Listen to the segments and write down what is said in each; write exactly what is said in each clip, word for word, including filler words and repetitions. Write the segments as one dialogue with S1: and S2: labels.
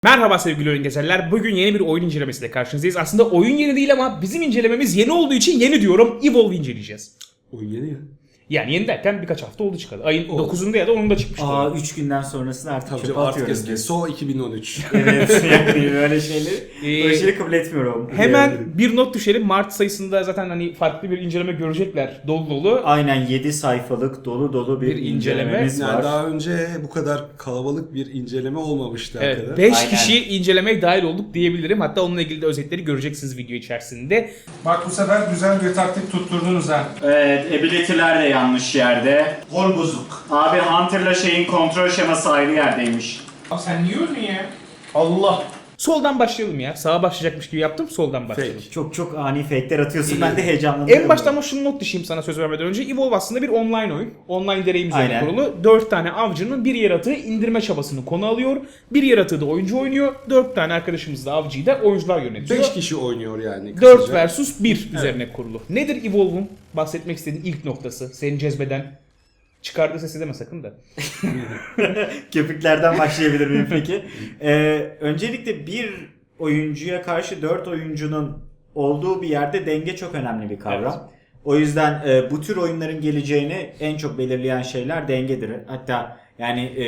S1: Merhaba sevgili oyun gezerler. Bugün yeni bir oyun incelemesiyle karşınızdayız. Aslında oyun yeni değil ama bizim incelememiz yeni olduğu için yeni diyorum. Evolve inceleyeceğiz.
S2: Oyun yeni ya.
S1: Yani yeni derken birkaç hafta oldu çıkalı. Ayın
S2: Oldu.
S1: dokuzunda ya da onunda çıkmıştı.
S3: Aa üç günden sonrasını artık
S2: Tabii
S3: çöpe
S2: canım, artık
S3: atıyoruz
S2: eski.
S3: biz.
S2: So iki bin on üç.
S3: Evet yani böyle şeyleri,
S1: Ee,
S3: böyle şeyleri kabul etmiyorum.
S1: Hemen
S3: Yani.
S1: bir not düşelim. Mart sayısında zaten hani farklı bir inceleme görecekler. Dolu dolu.
S3: Aynen yedi sayfalık dolu dolu bir,
S1: Bir inceleme.
S3: incelememiz
S2: Yani
S3: var.
S2: daha önce bu kadar kalabalık bir inceleme olmamıştı
S1: Evet,
S2: hakikaten.
S1: beş
S3: Aynen.
S1: kişi incelemeye dahil olduk diyebilirim. Hatta onunla ilgili de özetleri göreceksiniz video içerisinde.
S4: Bak bu sefer güzel bir taktik tutturdunuz ha.
S3: Evet, ability'ler de yanlış yerde.
S4: Gol bozuk.
S3: Abi Hunter'la şeyin kontrol şeması ayrı yerdeymiş.
S4: Abi sen niye öldün ya? Allah.
S1: Soldan başlayalım ya. Sağa başlayacakmış gibi yaptım. Soldan başlayalım.
S2: Fake.
S3: Çok çok ani fake'ler atıyorsun, ben de heyecanlanıyorum.
S1: En başta ama şunu not düşeyim sana söz vermeden önce. Evolve aslında bir online oyun. Online deneyim üzerine
S3: Aynen.
S1: kurulu. dört tane avcının bir yaratığı indirme çabasını konu alıyor. Bir yaratığı da oyuncu oynuyor. dört tane arkadaşımız da avcıyı da oyuncular yönetiyor.
S2: beş kişi oynuyor yani.
S1: dört
S2: kısaca.
S1: versus bir üzerine kurulu. Nedir Evolve'un bahsetmek istediğin ilk noktası? Seni cezbeden, çıkardığı sesi deme sakın da.
S3: Köpüklerden başlayabilir miyim peki? Ee, öncelikle bir oyuncuya karşı dört oyuncunun olduğu bir yerde denge çok önemli bir kavram.
S1: Evet.
S3: O yüzden e, bu tür oyunların geleceğini en çok belirleyen şeyler dengedir. Hatta yani e,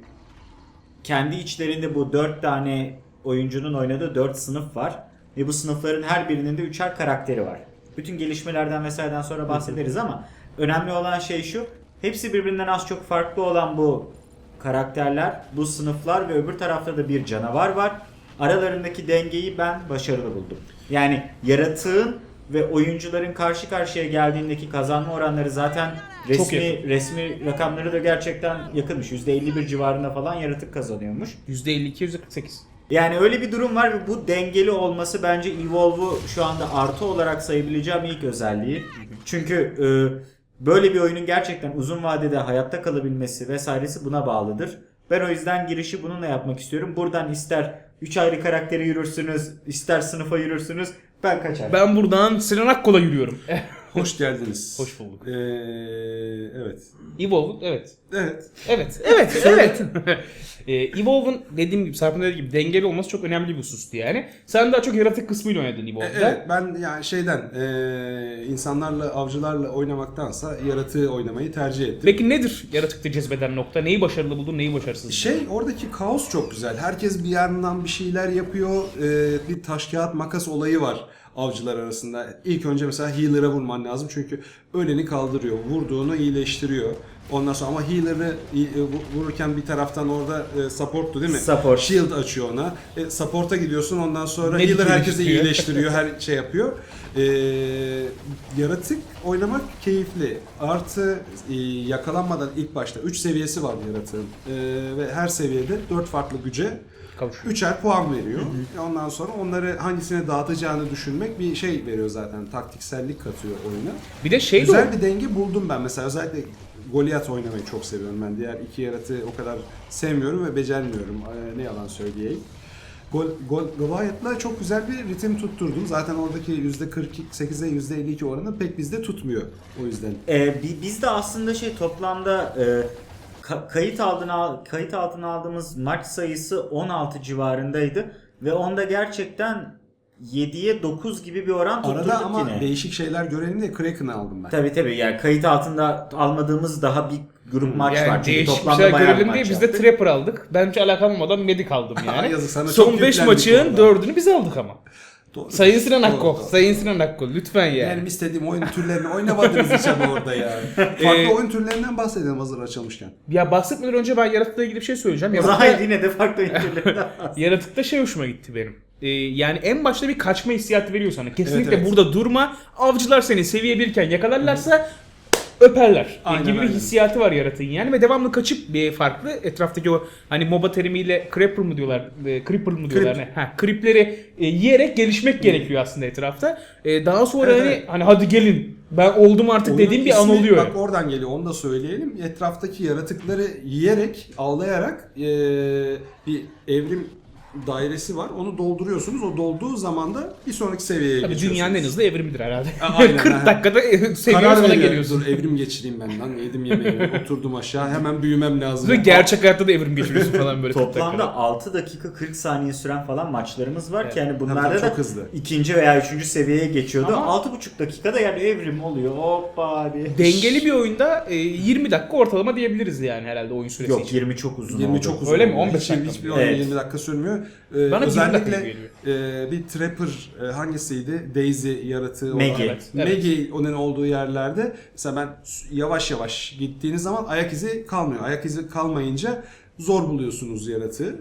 S3: kendi içlerinde bu dört tane oyuncunun oynadığı dört sınıf var. Ve bu sınıfların her birinin de üçer karakteri var. Bütün gelişmelerden vesaireden sonra bahsederiz ama önemli olan şey şu. Hepsi birbirinden az çok farklı olan bu karakterler, bu sınıflar ve öbür tarafta da bir canavar var. Aralarındaki dengeyi ben başarılı buldum. Yani yaratığın ve oyuncuların karşı karşıya geldiğindeki kazanma oranları zaten
S1: Çok
S3: resmi
S1: yakın.
S3: resmi rakamları da gerçekten yakınmış. yüzde elli bir civarında falan yaratık kazanıyormuş.
S1: yüzde elli iki yüzde kırk sekiz.
S3: Yani öyle bir durum var ve bu dengeli olması bence Evolve'u şu anda artı olarak sayabileceğim ilk özelliği. Çünkü e, böyle bir oyunun gerçekten uzun vadede hayatta kalabilmesi vesairesi buna bağlıdır. Ben o yüzden girişi bununla yapmak istiyorum. Buradan ister üç ayrı karakteri yürürsünüz, ister sınıfa yürürsünüz. Ben kaçarım.
S1: Ben buradan Sinan Akkol'a yürüyorum.
S2: Hoş geldiniz.
S1: Hoş bulduk.
S2: Ee, evet.
S1: Evolve evet.
S2: Evet.
S1: Evet, evet, evet. ee, Evolve'un dediğim gibi, Sarp'ın dediği gibi dengeli olması çok önemli bir husustu yani. Sen daha çok yaratık kısmıyla oynadın
S2: E,
S1: Evolve'da.
S2: evet ben yani şeyden ee, insanlarla avcılarla oynamaktansa yaratığı oynamayı tercih ettim.
S1: Peki nedir yaratıkta cezbeden nokta? Neyi başarılı buldun, neyi başarısız buldun?
S2: Şey oradaki kaos çok güzel. Herkes bir yandan bir şeyler yapıyor. Ee, bir taş kağıt makas olayı var avcılar arasında. İlk önce mesela healer'a vurman lazım çünkü öleni kaldırıyor. Vurduğunu iyileştiriyor. Ondan sonra ama healer'ı vururken bir taraftan orada e, support'tu değil mi?
S3: Support.
S2: Shield açıyor ona. E, support'a gidiyorsun ondan sonra
S1: Medic
S2: healer herkesi
S1: iyileştiriyor.
S2: iyileştiriyor. Her şey yapıyor. E, yaratık oynamak keyifli. Artı e, yakalanmadan ilk başta üç seviyesi var yaratığın. E, ve her seviyede dört farklı güce
S1: Kavuşuyor.
S2: üçer puan veriyor. Ondan sonra onları hangisine dağıtacağını düşünmek bir şey veriyor zaten. Taktiksellik katıyor oyuna.
S1: Bir de şey de
S2: Güzel
S1: o.
S2: bir denge buldum ben. Mesela özellikle Goliath oynamayı çok seviyorum ben. Diğer iki yaratığı o kadar sevmiyorum ve becermiyorum. Ee, ne yalan söyleyeyim. Gol, gol, Goliath'la çok güzel bir ritim tutturdum. Zaten oradaki yüzde kırk sekize yüzde elli iki oranı pek bizde tutmuyor. O yüzden.
S3: Ee, bi- biz de aslında şey toplamda e, ka- kayıt altına kayıt altına aldığımız maç sayısı on altı civarındaydı ve onda gerçekten yediye dokuz gibi bir oran tutturduk
S2: Arada ama
S3: yine.
S2: değişik şeyler görelim diye Kraken'ı aldım ben.
S3: Tabii tabii yani kayıt altında almadığımız daha bir grup maç
S1: Yani
S3: var. Çünkü
S1: değişik bir
S3: toplamda
S1: şeyler
S3: bayağı bir
S1: görelim diye
S3: maç
S1: biz de
S3: yaptık.
S1: Trapper aldık. Ben hiç alakam olmadan Medic aldım yani.
S2: Yazık, sana
S1: Son
S2: çok
S1: beş
S2: yüklendik
S1: maçın
S2: orada.
S1: dördünü biz aldık ama.
S2: Doğru.
S1: Sayın Sinan
S2: Doğru,
S1: Akko,
S2: doğru.
S1: Sayın Sinan Akko lütfen yani.
S2: Benim istediğim oyun türlerini oynamadınız hiç ama orada ya. Farklı
S1: Ee,
S2: oyun türlerinden bahsedelim hazır açılmışken.
S1: Ya bahsetmeden önce ben yaratıkla ilgili bir şey söyleyeceğim.
S3: O
S1: Yaratıkta,
S3: zaman yine de farklı oyunculardan
S1: yaratıkta şey hoşuma gitti benim. Ee, yani en başta bir kaçma hissiyatı veriyor sana. Kesinlikle
S2: Evet, evet.
S1: burada durma. Avcılar seni seviye birken yakalarlarsa öperler.
S2: Aynen,
S1: gibi bir
S2: aynen.
S1: hissiyatı var yaratığın yani ve devamlı kaçıp bir farklı etraftaki o hani MOBA terimiyle creeper mı diyorlar, e, creeper mı diyorlar
S2: Creep.
S1: ne? Ha, creepleri e, yiyerek gelişmek gerekiyor aslında etrafta. E, daha sonra
S2: Evet,
S1: hani
S2: evet.
S1: hani hadi gelin ben oldum artık
S2: Oyunun
S1: dediğim bir an
S2: ismi,
S1: oluyor.
S2: Bak oradan geliyor, onu da söyleyelim. Etraftaki yaratıkları yiyerek, avlayarak eee, bir evrim dairesi var. Onu dolduruyorsunuz. O dolduğu zaman da bir sonraki seviyeye
S1: Tabii
S2: geçiyorsunuz.
S1: dünyanın en hızlı evrimidir herhalde.
S2: Aynen,
S1: kırk
S2: aynen.
S1: dakikada seviye
S2: Karar
S1: sona
S2: veriyor.
S1: geliyorsun.
S2: Dur evrim geçireyim ben lan. Yedim yemeğimi. Oturdum aşağı. Hemen büyümem lazım.
S1: Ve gerçek hayatta da evrim geçiriyorsun falan böyle kırk
S3: Toplamda
S1: dakikada.
S3: altı dakika kırk saniye süren falan maçlarımız var
S1: Evet.
S3: ki yani
S2: Tabii
S3: bunlarda
S2: tabii,
S3: da
S2: çok hızlı.
S3: ikinci veya üçüncü seviyeye geçiyordu.
S1: Ama-
S3: altı buçuk dakikada yani evrim oluyor. Hoppa diye.
S1: Dengeli bir oyunda e, yirmi dakika ortalama diyebiliriz yani herhalde oyun süresi
S3: Yok
S1: için.
S3: yirmi çok uzun
S2: yirmi
S3: oldu.
S2: çok uzun.
S1: Öyle mi?
S2: oluyor.
S1: on beş
S2: Hiç-
S1: dakika
S2: Hiçbir
S1: mı?
S2: oyun
S3: Evet.
S2: yirmi dakika sürmüyor. Ee,
S1: Bana yirmi dakika
S2: özellikle
S1: geliyor.
S2: e, bir Trapper e, hangisiydi? Daisy yaratığı
S3: Maggie.
S2: olan.
S1: Evet, evet.
S2: Maggie onun olduğu yerlerde mesela ben yavaş yavaş gittiğiniz zaman ayak izi kalmıyor. Ayak izi kalmayınca zor buluyorsunuz yaratığı.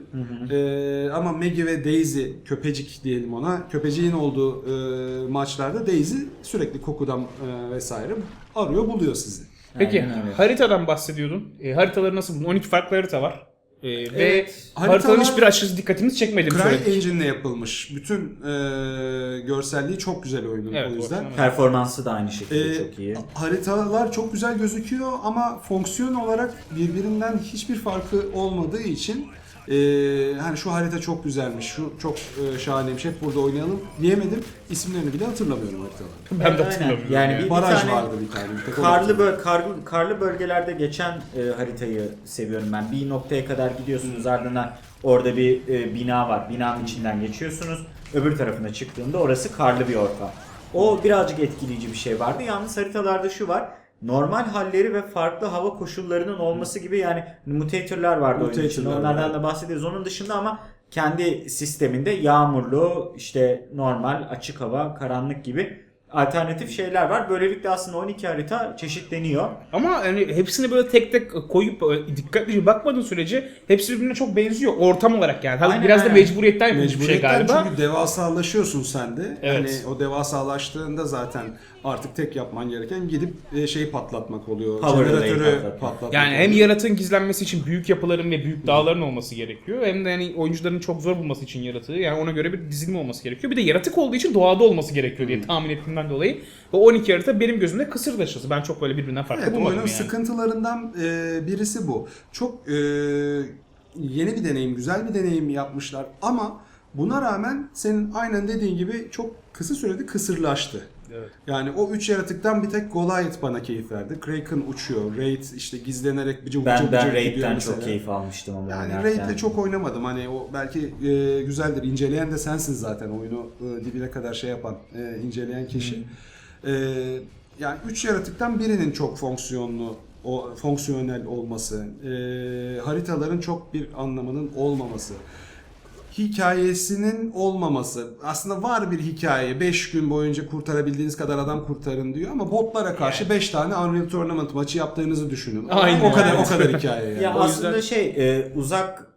S2: Ee, ama Maggie ve Daisy, köpecik diyelim ona. Köpeciğin olduğu e, maçlarda Daisy sürekli kokudan e, vesaire arıyor buluyor sizi.
S1: Peki
S3: Aynen öyle.
S1: haritadan bahsediyordun. E, haritaları nasıl buldun? on iki farklı harita var. E, ve
S3: Evet.
S1: haritaların
S2: Haritalar-
S1: hiçbir aşırı dikkatimizi çekmedi mi
S2: Cry
S1: söyledik?
S2: Engine'le yapılmış. Bütün e, görselliği çok güzel oyunun
S1: Evet,
S2: o yüzden.
S1: ortalama.
S3: Performansı da aynı şekilde
S2: Ee,
S3: çok iyi.
S2: Haritalar çok güzel gözüküyor ama fonksiyon olarak birbirinden hiçbir farkı olmadığı için e, hani şu harita çok güzelmiş, şu çok e, şahaneymiş, hep burada oynayalım diyemedim. İsimlerini bile hatırlamıyorum haritaların.
S1: Ben de
S3: Evet, aynen.
S1: hatırlamıyorum.
S3: Yani
S1: Yani.
S3: bir-
S2: Baraj
S3: tane
S2: vardı bir tane. bir tek onu
S3: Karlı,
S2: hatırlıyorum.
S3: böl karlı, karlı bölgelerde geçen e, haritayı seviyorum ben. Bir noktaya kadar gidiyorsunuz, ardından orada bir e, bina var. Binanın içinden geçiyorsunuz. Öbür tarafına çıktığında orası karlı bir ortam. O birazcık etkileyici bir şey vardı. Yalnız haritalarda şu var. Normal halleri ve farklı hava koşullarının olması gibi yani mutatorlar vardı oyunun içinde.
S2: Mutatorlar
S3: Onlardan
S2: var.
S3: da bahsediyoruz. Onun dışında ama kendi sisteminde yağmurlu, işte normal, açık hava, karanlık gibi alternatif şeyler var. Böylelikle aslında on iki harita çeşitleniyor.
S1: Ama hani hepsini böyle tek tek koyup e, dikkatlice bakmadığın sürece hepsi birbirine çok benziyor ortam olarak yani. Tabii
S3: Aynen,
S1: biraz da
S3: aynen.
S1: mecburiyetten yapılmış bir şey
S2: Mecburiyetten
S1: galiba.
S2: çünkü devasalaşıyorsun sen de.
S1: Evet.
S2: Hani o devasalaştığında zaten artık tek yapman gereken gidip e, şeyi patlatmak oluyor.
S3: Power
S2: Jeneratörü
S3: relay'i patlatmak.
S2: patlatmak.
S1: Yani hem
S2: oluyor.
S1: yaratığın gizlenmesi için büyük yapıların ve büyük dağların olması gerekiyor. Hem de hani oyuncuların çok zor bulması için yaratığı. Yani ona göre bir dizilim olması gerekiyor. Bir de yaratık olduğu için doğada olması gerekiyor diye tahmin ettiğimden dolayı. O on iki harita benim gözümde kısır taşısı. Ben çok böyle birbirinden farklı
S2: Evet,
S1: bulmadım
S2: oyunun
S1: yani.
S2: sıkıntılarından e, birisi bu. Çok e, yeni bir deneyim, güzel bir deneyim yapmışlar ama buna rağmen senin aynen dediğin gibi çok kısa sürede kısırlaştı.
S1: Evet.
S2: Yani o üç yaratıktan bir tek Goliath bana keyif verdi. Kraken uçuyor, Raid işte gizlenerek bıcı bıcı
S3: Ben
S2: bıcı
S3: ben
S2: gidiyor
S3: Raid'den
S2: mesela.
S3: çok keyif almıştım ama
S2: Yani
S3: oynarken.
S2: Raid'le çok oynamadım. Hani o belki e, güzeldir. İnceleyen de sensin zaten oyunu e, dibine kadar şey yapan, e, inceleyen kişi. E, yani üç yaratıktan birinin çok fonksiyonlu, o fonksiyonel olması, e, haritaların çok bir anlamının olmaması, hikayesinin olmaması. Aslında var bir hikaye. beş gün boyunca kurtarabildiğiniz kadar adam kurtarın diyor ama botlara karşı beş tane Unreal Tournament maçı yaptığınızı düşünün.
S1: Aynen.
S2: O kadar o
S1: Evet.
S2: kadar hikaye yani.
S3: Ya
S1: O
S3: aslında
S1: yüzden-
S3: şey e, uzak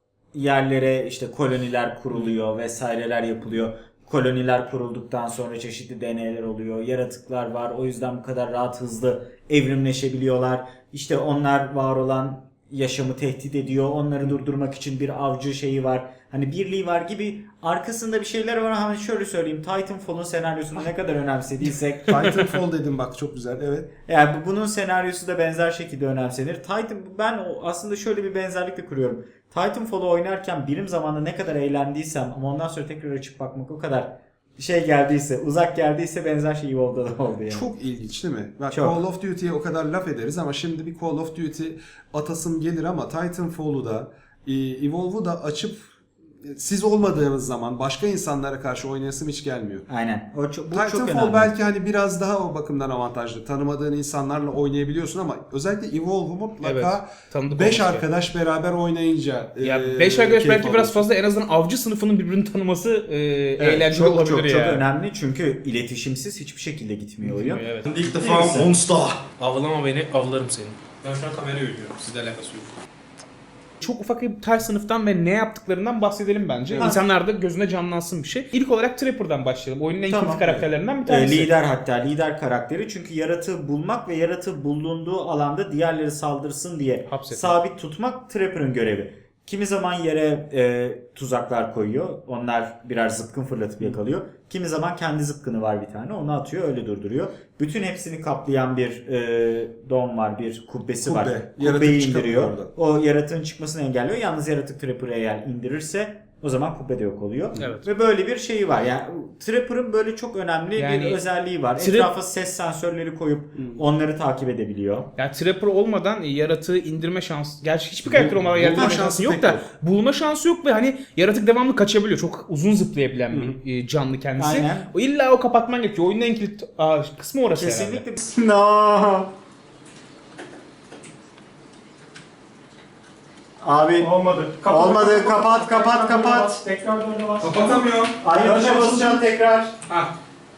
S3: yerlere işte koloniler kuruluyor vesaireler yapılıyor. Koloniler kurulduktan sonra çeşitli deneyler oluyor. Yaratıklar var. O yüzden bu kadar rahat hızlı evrimleşebiliyorlar. İşte onlar var olan yaşamı tehdit ediyor. Onları durdurmak için bir avcı şeyi var. Hani birliği var gibi arkasında bir şeyler var. Hani şöyle söyleyeyim. Titanfall'un senaryosunu ne kadar önemsediysek
S2: Titanfall dedim bak çok güzel evet.
S3: yani bu- bunun senaryosu da benzer şekilde önemsenir. Titan ben o- aslında şöyle bir benzerlik de kuruyorum. Titanfall'u oynarken birim zamanında ne kadar eğlendiysem ama ondan sonra tekrar açıp bakmak o kadar şey geldiyse, uzak geldiyse benzer şey Evolve'da da oldu yani.
S2: Çok ilginç değil mi? Bak
S3: Çok.
S2: Call of Duty'ye o kadar laf ederiz ama şimdi bir Call of Duty atasım gelir ama Titanfall'u da e, Evolve'u da açıp e, siz olmadığınız zaman başka insanlara karşı oynayasım hiç gelmiyor.
S3: Aynen. O çok, bu çok
S2: Titanfall
S3: önemli.
S2: belki hani biraz daha o bakımdan avantajlı. Tanımadığın insanlarla oynayabiliyorsun ama özellikle Evolve'u mutlaka
S1: Tanıdık
S2: beş
S1: olması
S2: arkadaş beraber oynayınca
S1: Ya
S2: e,
S1: beş arkadaş
S2: keyif
S1: belki biraz
S2: alıyorsun.
S1: fazla en azından avcı sınıfının birbirini tanıması e, eğlenceli
S3: çok,
S1: olabilir
S3: çok,
S1: ya.
S3: çok önemli çünkü iletişimsiz hiçbir şekilde gitmiyor oyun.
S1: Evet.
S5: İlk defa monster.
S6: Avlama beni, avlarım seni. Ben şu an kamerayı ödüyorum. Sizle alakası yok.
S1: Çok ufak bir her sınıftan ve ne yaptıklarından bahsedelim bence.
S3: Evet.
S1: İnsanlar da gözüne canlansın bir şey. İlk olarak Trapper'dan başlayalım. Oyunun en
S3: Tamam.
S1: kritik karakterlerinden bir
S3: Ee,
S1: tanesi.
S3: lider hatta lider karakteri çünkü yaratığı bulmak ve yaratığı bulunduğu alanda diğerleri saldırsın diye
S1: Hapsetmek.
S3: sabit tutmak Trapper'ın görevi. Kimi zaman yere e, tuzaklar koyuyor. Onlar birer zıpkın fırlatıp yakalıyor. Kimi zaman kendi zıpkını var bir tane. Onu atıyor öyle durduruyor. Bütün hepsini kaplayan bir e, dom var. Bir kubbesi var.
S2: Kubbe.
S3: Kubbeyi
S2: Yaratık çıkamıyor
S3: indiriyor.
S2: oradan.
S3: O yaratığın çıkmasını engelliyor. Yalnız yaratık Trapper'ı eğer indirirse O zaman kubbe de yok oluyor.
S1: Evet.
S3: Ve böyle bir şeyi var. Yani Trapper'ın böyle çok önemli
S1: Yani
S3: bir özelliği var.
S1: Trap-
S3: Etrafa ses sensörleri koyup onları takip edebiliyor.
S1: Yani Trapper olmadan yaratığı indirme şansı, gerçi hiçbir karakter olmadan
S2: bulma
S1: yaratma
S2: şansı
S1: şansı yok
S2: pek
S1: da
S2: yok.
S1: bulma şansı yok ve hani yaratık devamlı kaçabiliyor. Çok uzun zıplayabilen bir e, canlı kendisi.
S3: Aynen.
S1: O illa o kapatman gerekiyor. Oyunun en kilit aa, kısmı orası herhalde.
S3: Kesinlikle. No. Abi
S4: Olmadı.
S3: Olmadı. Kapat, kapat, kapat.
S4: Tekrar dönde bas.
S2: Kapatamıyorum.
S3: aynı tuşa basacağım tekrar.
S1: Ah.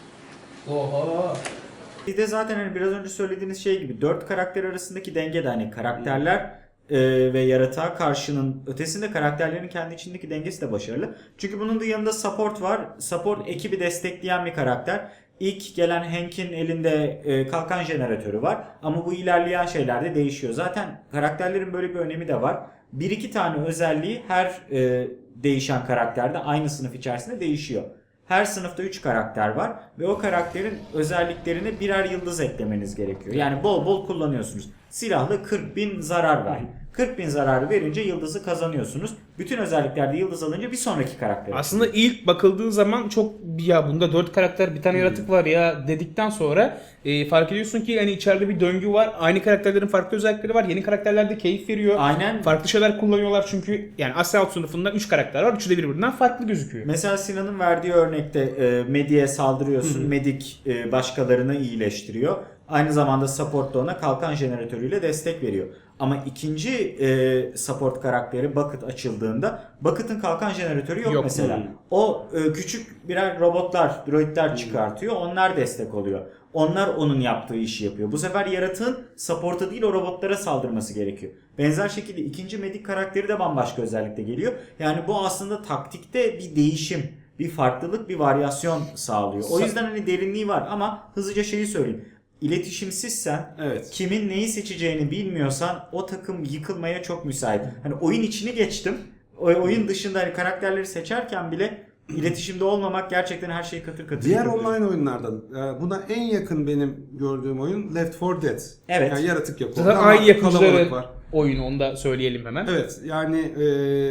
S1: Oha.
S3: Bir de zaten hani biraz önce söylediğiniz şey gibi dört karakter arasındaki denge de hani karakterler e, ve yaratığa karşının ötesinde karakterlerin kendi içindeki dengesi de başarılı. Çünkü bunun da yanında support var. Support ekibi destekleyen bir karakter. İlk gelen Hank'in elinde e, kalkan jeneratörü var ama bu ilerleyen şeylerde değişiyor. Zaten karakterlerin böyle bir önemi de var. Bir iki tane özelliği her e, değişen karakterde aynı sınıf içerisinde değişiyor. Her sınıfta üç karakter var ve o karakterin özelliklerine birer yıldız eklemeniz gerekiyor. Yani bol bol kullanıyorsunuz. Silahlı kırk bin zarar ver. kırk bin zararı verince yıldızı kazanıyorsunuz. Bütün özelliklerde yıldız alınca bir sonraki karakter.
S1: Aslında ilk bakıldığı zaman çok ya bunda dört karakter bir tane yaratık var ya dedikten sonra e, fark ediyorsun ki hani içeride bir döngü var. Aynı karakterlerin farklı özellikleri var. Yeni karakterler de keyif veriyor.
S3: Aynen.
S1: Farklı şeyler kullanıyorlar çünkü yani Assault sınıfında üç karakter var. Üçü de birbirinden farklı gözüküyor.
S3: Mesela Sinan'ın verdiği örnekte e, Medi'ye saldırıyorsun. Medik e, başkalarını iyileştiriyor. Aynı zamanda support da ona kalkan jeneratörüyle destek veriyor. Ama ikinci e, support karakteri Bucket açıldığında Bucket'ın kalkan jeneratörü yok,
S1: Yok.
S3: mesela.
S2: Hmm.
S3: O e, küçük birer robotlar, droidler çıkartıyor. Onlar destek oluyor. Onlar onun yaptığı işi yapıyor. Bu sefer yaratığın support'a değil o robotlara saldırması gerekiyor. Benzer şekilde ikinci Medic karakteri de bambaşka özellikle geliyor. Yani bu aslında taktikte bir değişim, bir farklılık, bir varyasyon sağlıyor. O yüzden hani derinliği var ama hızlıca şeyi söyleyeyim. İletişimsizsen,
S2: Evet.
S3: kimin neyi seçeceğini bilmiyorsan o takım yıkılmaya çok müsait. Hani oyun içini geçtim. O oyun dışında hani karakterleri seçerken bile iletişimde olmamak gerçekten her şeyi katır katır
S2: Diğer
S3: yıkıyor.
S2: online oyunlardan e, buna en yakın benim gördüğüm oyun Left four Dead.
S3: Evet.
S2: Yani yaratık yok.
S1: Zaten
S2: Ama
S1: aynı
S2: kalabalık
S1: yapımcıları
S2: var.
S1: oyunu onu da söyleyelim hemen.
S2: Evet yani e,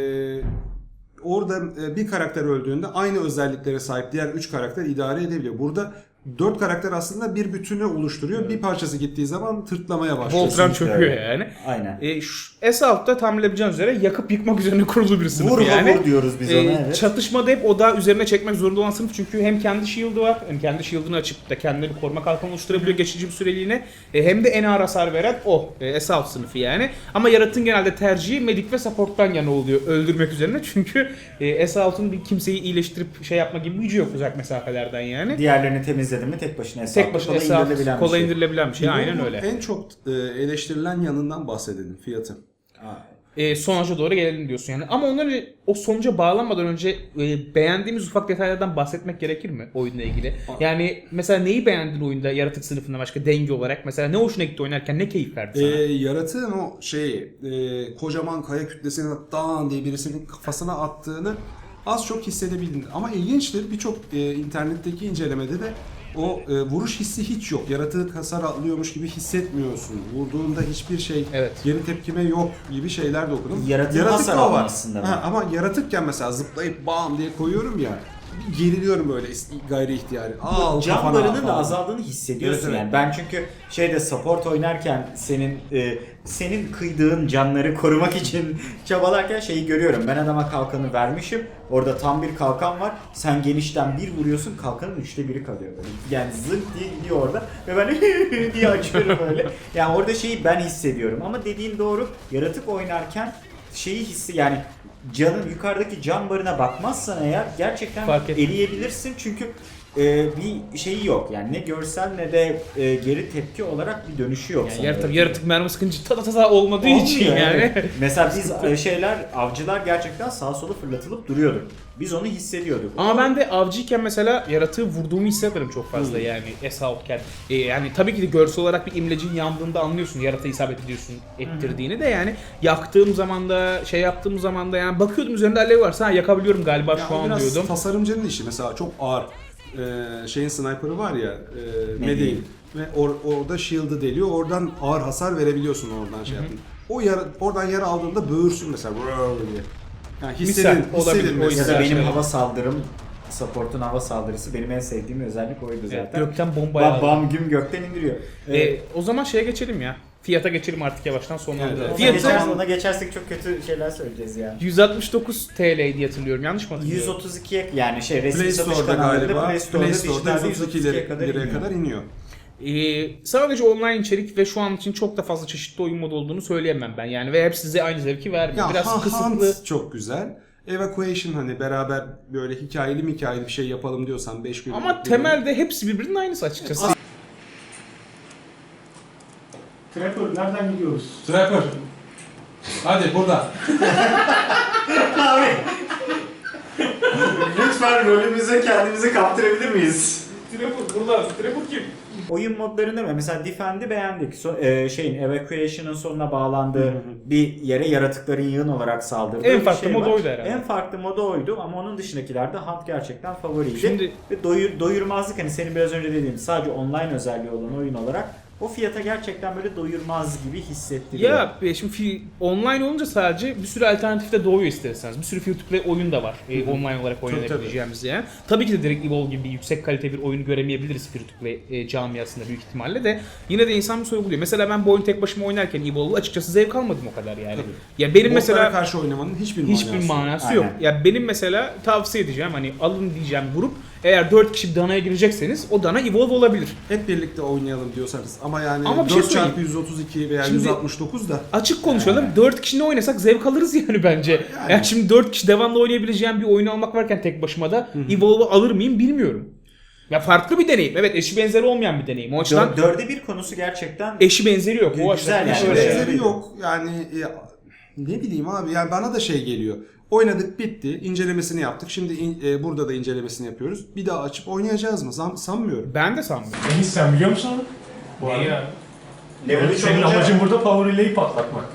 S2: orada e, bir karakter öldüğünde aynı özelliklere sahip diğer üç karakter idare edebiliyor. Burada dört karakter aslında bir bütünü oluşturuyor. Evet. Bir parçası gittiği zaman tırtlamaya başlıyor.
S1: Voltron
S3: Kesinlikle
S1: çöküyor
S3: öyle.
S1: yani.
S3: Aynen.
S1: E, şu Assault'ta tahmin edebileceğiniz üzere yakıp yıkmak üzerine kurulu bir sınıf
S3: Vur
S1: yani.
S3: vur diyoruz biz
S1: E,
S3: ona. Evet.
S1: Çatışmada hep odağı üzerine çekmek zorunda olan sınıf çünkü hem kendi shield'ı var hem kendi shield'ını açıp da kendileri koruma kalkanı oluşturabiliyor geçici bir süreliğine e, hem de en ağır hasar veren o e, Assault sınıfı yani. Ama yaratığın genelde tercihi medic ve support'tan yana oluyor öldürmek üzerine çünkü e, Assault'un bir kimseyi iyileştirip şey yapma gibi gücü yok uzak mesafelerden yani.
S3: Diğerlerini temizledin mi tek başına hesap.
S1: Tek başına
S3: kolay
S1: Assault
S3: indirilebilen bir
S1: kolay
S3: şey.
S1: indirilebilen bir şey aynen
S2: Bu
S1: öyle.
S2: En çok e, eleştirilen yanından bahsedelim, fiyatı.
S1: E, sonuca doğru gelelim diyorsun yani. Ama ondan önce o sonuca bağlanmadan önce e, beğendiğimiz ufak detaylardan bahsetmek gerekir mi oyunla ilgili? Yani mesela neyi beğendin oyunda yaratık sınıfında başka denge olarak? Mesela ne hoşuna gitti oynarken ne keyif verdi sana?
S2: E, yaratığın o şeyi e, kocaman kaya kütlesini dağın diye birisinin kafasına attığını az çok hissedebildin. Ama ilginçtir, birçok e, internetteki incelemede de o e, vuruş hissi hiç yok. Yaratığı hasar alıyormuş gibi hissetmiyorsun. Vurduğunda hiçbir şey,
S1: Evet.
S2: geri tepkime yok gibi şeyler de okudum.
S3: Yaratığın
S2: Yaratık
S3: hasar
S2: da o var.
S3: almasında mı?
S2: Ha, ama yaratıkken mesela zıplayıp bam diye koyuyorum ya. Bir geriliyorum böyle gayri ihtiyari. Al
S3: Can
S2: kafana
S3: barının da
S2: falan.
S3: azaldığını hissediyorsun
S2: Evet, evet.
S3: yani. Ben çünkü şeyde support oynarken senin e, senin kıydığın canları korumak için çabalarken şeyi görüyorum. Ben adama kalkanı vermişim. Orada tam bir kalkan var. Sen genişten bir vuruyorsun, kalkanın üçte biri kalıyor böyle. Yani zırt diye gidiyor orada ve ben diye açıyorum böyle. Yani orada şeyi ben hissediyorum ama dediğin doğru. Yaratık oynarken şeyi hissi yani canın yukarıdaki can barına bakmazsan eğer gerçekten
S1: Fark etmez.
S3: eleyebilirsin çünkü e, bir şeyi yok yani ne görsel ne de e, geri tepki olarak bir dönüşü yok.
S1: Yani
S3: sana.
S1: yaratık, yaratık mermi sıkınca ta ta ta olmadığı
S3: Olmuyor
S1: için yani.
S3: Mesela biz e, şeyler avcılar gerçekten sağa sola fırlatılıp duruyordu. Biz onu hissediyorduk.
S1: Ama ben de avcıyken mesela yaratığı vurduğumu hissederim çok fazla
S3: Hmm.
S1: yani Assault'ken. E, yani tabii ki de görsel olarak bir imlecin yandığında anlıyorsun yaratığı isabet ediyorsun ettirdiğini de yani yaktığım zaman da şey yaptığım zaman da yani bakıyordum üzerinde alev varsa ha, yakabiliyorum galiba
S2: Ya
S1: şu
S2: o
S1: an
S2: biraz
S1: diyordum.
S2: tasarımcının işi. Mesela çok ağır e, şeyin sniper'ı var ya, e,
S3: Medi'in.
S2: Medi'in. Ve or- orada shield'ı deliyor. Oradan ağır hasar verebiliyorsun oradan şey yapın. O yara, oradan yara aldığında böğürsün mesela "Brrr" diye. Yani
S1: Misal,
S2: hissedin,
S1: olabilir,
S2: hissedin
S1: o
S3: Ya
S2: mesela.
S3: da
S1: yüzden.
S3: benim
S1: Evet.
S3: hava saldırım, support'un hava saldırısı benim en sevdiğim özellik oydu zaten.
S1: Evet, gökten bomba
S3: Bam,
S1: yağdı.
S3: bam güm gökten indiriyor.
S1: E,
S3: Evet.
S1: o zaman şeye geçelim ya. Fiyata geçelim artık yavaştan sonlandıralım.
S2: Evet,
S3: Ona,
S2: fiyatı-
S3: geçerse, ona geçersek çok kötü şeyler söyleyeceğiz ya.
S1: yüz altmış dokuz T L diye hatırlıyorum. Yanlış mı hatırlıyorum?
S3: yüz otuz ikiye yani şey resmi
S2: Play
S3: satış
S2: Store'da
S3: kanallarında
S2: galiba,
S3: Play Store'da,
S2: Play Store'da
S3: dijitalde
S2: yüz otuz iki
S3: liraya kadar
S2: liraya
S3: iniyor.
S2: kadar iniyor.
S1: Ee, sadece online içerik ve şu an için çok da fazla çeşitli oyun modu olduğunu söyleyemem ben yani ve hep size aynı zevki vermiyor.
S2: Ya
S1: Biraz
S2: Ha-
S1: kısıtlı.
S2: Hunt çok güzel. Evacuation hani beraber böyle hikayeli mi hikayeli bir şey yapalım diyorsan beş gün.
S1: Ama temelde hepsi birbirinin aynısı açıkçası.
S4: Trapper nereden gidiyoruz? Trapper. Hadi burada.
S3: Abi. Lütfen rolümüze kendimizi kaptırabilir miyiz?
S1: Trapper burada. Trapper kim?
S3: Oyun modlarında mı? Mesela Defend'i beğendik. So- e, şeyin Evacuation'ın sonuna bağlandığı bir yere yaratıkların yığın olarak saldırdığı
S1: En
S3: bir
S1: farklı
S3: şey
S1: modu
S3: var.
S1: oydu herhalde.
S3: En farklı modu oydu ama onun dışındakilerde Hunt gerçekten favoriydi.
S1: Şimdi-
S3: Ve doyur, doyurmazlık hani senin biraz önce dediğin sadece online özelliği olan oyun olarak o fiyata gerçekten böyle doyurmaz gibi hissettiriyor.
S1: Ya e, şimdi fi- online olunca sadece bir sürü alternatif de doğuyor isterseniz. Bir sürü free to play oyun da var e, online olarak oynayabileceğimiz yani. Tabii ki de direkt Evolve gibi yüksek kalite bir oyunu göremeyebiliriz free to play e, camiasında büyük ihtimalle de. Yine de insan bir sorguluyor. Mesela ben bu oyunu tek başıma oynarken Evolve'u açıkçası zevk almadım o kadar yani.
S2: Tabii.
S1: Ya benim
S2: Botlara
S1: mesela
S2: karşı oynamanın hiçbir,
S1: hiçbir
S2: manası.
S1: manası
S3: Aynen.
S1: yok. Ya benim mesela tavsiye edeceğim hani alın diyeceğim grup eğer dört kişi bir danaya girecekseniz o dana Evolve olabilir.
S2: Hep birlikte oynayalım diyorsanız ama yani
S1: Ama bir şey
S2: dört çarpı
S1: söyleyeyim.
S2: yüz otuz iki veya
S1: Şimdi-
S2: yüz altmış dokuz da
S1: Açık konuşalım. dört kişi ne oynasak zevk alırız yani bence. Yani, şimdi dört kişi devamlı oynayabileceğim bir oyunu almak varken tek başıma da Evolve'u alır mıyım bilmiyorum. Ya farklı bir deneyim. Evet eşi benzeri olmayan bir deneyim. O açıdan
S3: Dör- dörde bir konusu gerçekten
S1: eşi benzeri yok. O
S3: Güzel
S1: açıdan
S3: yani.
S2: hiçbir
S1: öyle.
S3: Evet.
S2: benzeri yok. Yani e, ne bileyim abi yani bana da şey geliyor. Oynadık bitti. İncelemesini yaptık. Şimdi in- e, burada da incelemesini yapıyoruz. Bir daha açıp oynayacağız mı? Zam- sanmıyorum.
S1: Ben de sanmıyorum.
S4: Enis sen biliyor musun onu? Bu
S6: Neyi
S4: arada.
S6: abi?
S3: level üç
S4: Senin
S3: olunca
S4: amacın burada power relay'i patlatmak.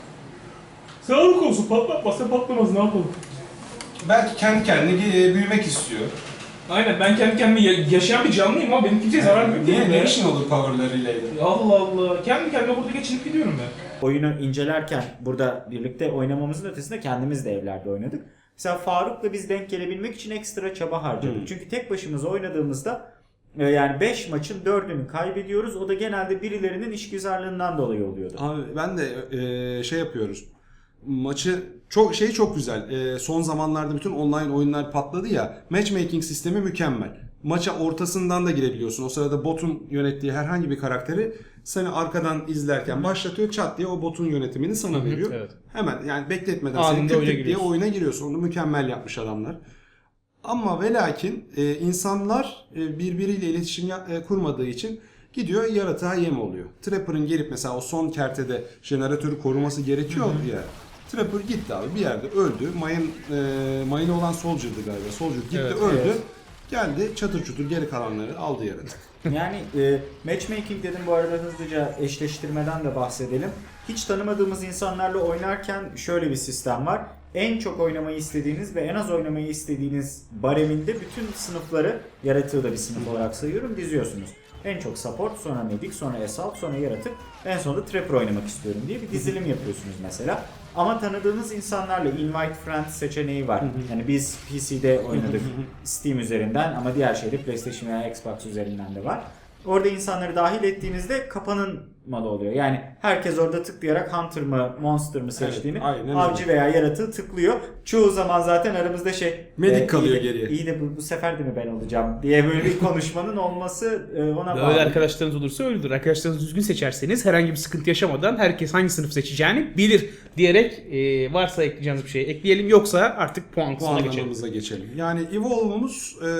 S4: Sağlık olsun patlatmazsa patlamaz ne yapalım? Belki kendi kendine e, büyümek istiyor.
S6: Aynen ben kendi kendime ya- yaşayan bir canlıyım ama benim kimseye zarar yok.
S4: Niye? Ne işin olur power relay'de?
S6: Allah Allah. Kendi kendime burada geçinip gidiyorum ben.
S3: oyunu incelerken burada birlikte oynamamızın ötesinde kendimiz de evlerde oynadık. Mesela Faruk'la biz denk gelebilmek için ekstra çaba harcadık. Çünkü tek başımıza oynadığımızda e, yani beş maçın dördünü kaybediyoruz. O da genelde birilerinin işgüzarlığından dolayı oluyordu.
S2: Abi ben de e, şey yapıyoruz. Maçı çok şey çok güzel. E, son zamanlarda bütün online oyunlar patladı ya. Matchmaking sistemi mükemmel. Maça ortasından da girebiliyorsun. O sırada botun yönettiği herhangi bir karakteri seni arkadan izlerken başlatıyor. Çat diye o botun yönetimini sana veriyor.
S1: evet.
S2: Hemen yani bekletmeden
S1: Anında
S2: seni tık
S1: öyle
S2: tık diye
S1: giriyorsun.
S2: oyuna giriyorsun. Onu mükemmel yapmış adamlar. Ama ve lakin e, insanlar e, birbiriyle iletişim ya- e, kurmadığı için gidiyor yaratığa yem oluyor. Trapper'ın gelip mesela o son kertede jeneratörü koruması gerekiyor ya. Trapper gitti abi bir yerde öldü. Mayın e, mayını olan Soldier'dı galiba. Soldier gitti
S1: Evet,
S2: öldü.
S3: evet.
S2: Geldi çatır çutur geri kalanları aldı yaratık.
S3: Yani e, matchmaking dedim bu arada hızlıca eşleştirmeden de bahsedelim. Hiç tanımadığımız insanlarla oynarken şöyle bir sistem var. En çok oynamayı istediğiniz ve en az oynamayı istediğiniz bareminde bütün sınıfları, yaratığı da bir sınıf olarak sayıyorum, diziyorsunuz. En çok support, sonra medic, sonra assault, sonra yaratık, en sonunda trapper oynamak istiyorum diye bir dizilim yapıyorsunuz mesela. Ama tanıdığınız insanlarla invite friends seçeneği var. Yani biz P C'de oynadık Steam üzerinden ama diğer şeyde PlayStation veya Xbox üzerinden de var. Orada insanları dahil ettiğinizde kapanmalı oluyor. Yani herkes orada tıklayarak Hunter mı Monster mı seçtiğini
S2: Evet, aynen öyle.
S3: avcı veya yaratığı tıklıyor. Çoğu zaman zaten aramızda şey
S2: Medic
S3: e,
S2: kalıyor
S3: iyi de-
S2: geriye.
S3: İyi de bu, bu sefer de mi ben olacağım diye böyle bir konuşmanın olması e, ona bağlı.
S1: Böyle arkadaşlarınız olursa öyledir. Arkadaşlarınızı düzgün seçerseniz herhangi bir sıkıntı yaşamadan herkes hangi sınıf seçeceğini bilir diyerek e, varsa ekleyeceğiniz bir şey ekleyelim. Yoksa artık puan kısmına geçelim.
S2: Puanlamamıza geçelim. Yani Evolve'umuz e,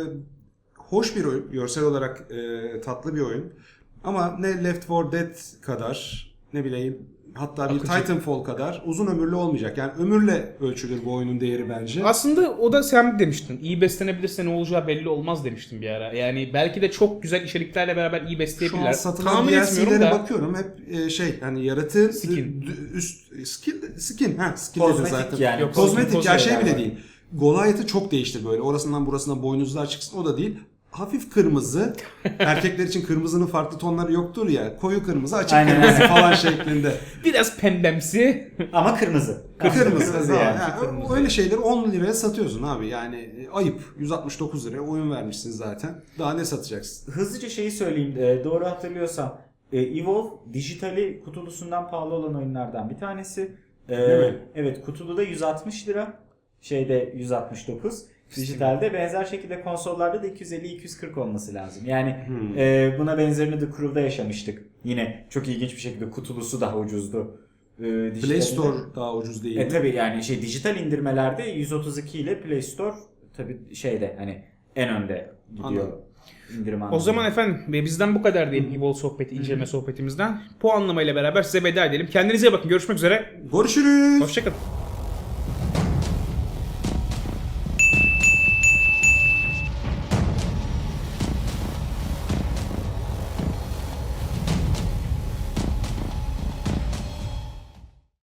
S2: hoş bir oyun. Görsel olarak e, tatlı bir oyun. Ama ne Left four Dead kadar ne bileyim hatta bir
S1: Akıcı.
S2: Titanfall kadar uzun ömürlü olmayacak. Yani ömürle ölçülür bu oyunun değeri bence.
S1: Aslında o da sen demiştin. İyi beslenebilirse ne olacağı belli olmaz demiştin bir ara. Yani belki de çok güzel içeriklerle beraber iyi
S2: Şu
S1: besleyebilirler.
S2: an satılan
S1: Tahmin
S2: D L
S1: etmiyorum
S2: C'lere
S1: da.
S2: bakıyorum hep e, şey hani yaratığın
S1: Skin.
S2: d- üst skin skin ha skin dedi
S3: Kozmetik
S2: zaten.
S3: yani.
S1: Yok,
S2: Kozmetik ya
S1: kozmetik
S2: şey bile
S3: var.
S2: değil. Goliath'ı çok değiştir böyle. Orasından burasına boynuzlar çıksın o da değil. hafif kırmızı. Erkekler için kırmızının farklı tonları yoktur ya. Koyu kırmızı, açık
S3: Aynen,
S2: kırmızı falan şeklinde.
S1: Biraz pembemsi.
S3: Ama kırmızı.
S2: Kırmızı.
S3: yani.
S2: yani. Yani öyle şeyleri on liraya satıyorsun abi. Yani ayıp. yüz altmış dokuz liraya oyun vermişsin zaten. Daha ne satacaksın?
S3: Hızlıca şeyi söyleyeyim. E, doğru hatırlıyorsam e, Evolve dijitali kutulusundan pahalı olan oyunlardan bir tanesi. E,
S2: Değil mi?
S3: evet, kutulu da yüz altmış lira. Şeyde yüz altmış dokuz. Dijitalde benzer şekilde konsollarda da iki yüz elli iki yüz kırk olması lazım. Yani
S2: Hmm.
S3: e, buna benzerini de Crew'da yaşamıştık. Yine çok ilginç bir şekilde kutulusu daha ucuzdu. E,
S2: Play
S3: dijitalinde-
S2: Store daha ucuz değil
S3: E
S2: mi?
S3: tabi yani şey dijital indirmelerde yüz otuz iki ile Play Store tabi şeyde hani en önde gidiyor.
S2: Anladım.
S3: indirim
S1: O
S3: anlamında.
S1: zaman efendim ve bizden bu kadar diyelim Evolve sohbeti, inceleme sohbetimizden. Puanlamayla beraber size veda edelim. Kendinize iyi bakın. Görüşmek üzere.
S2: Görüşürüz.
S1: Hoşçakalın.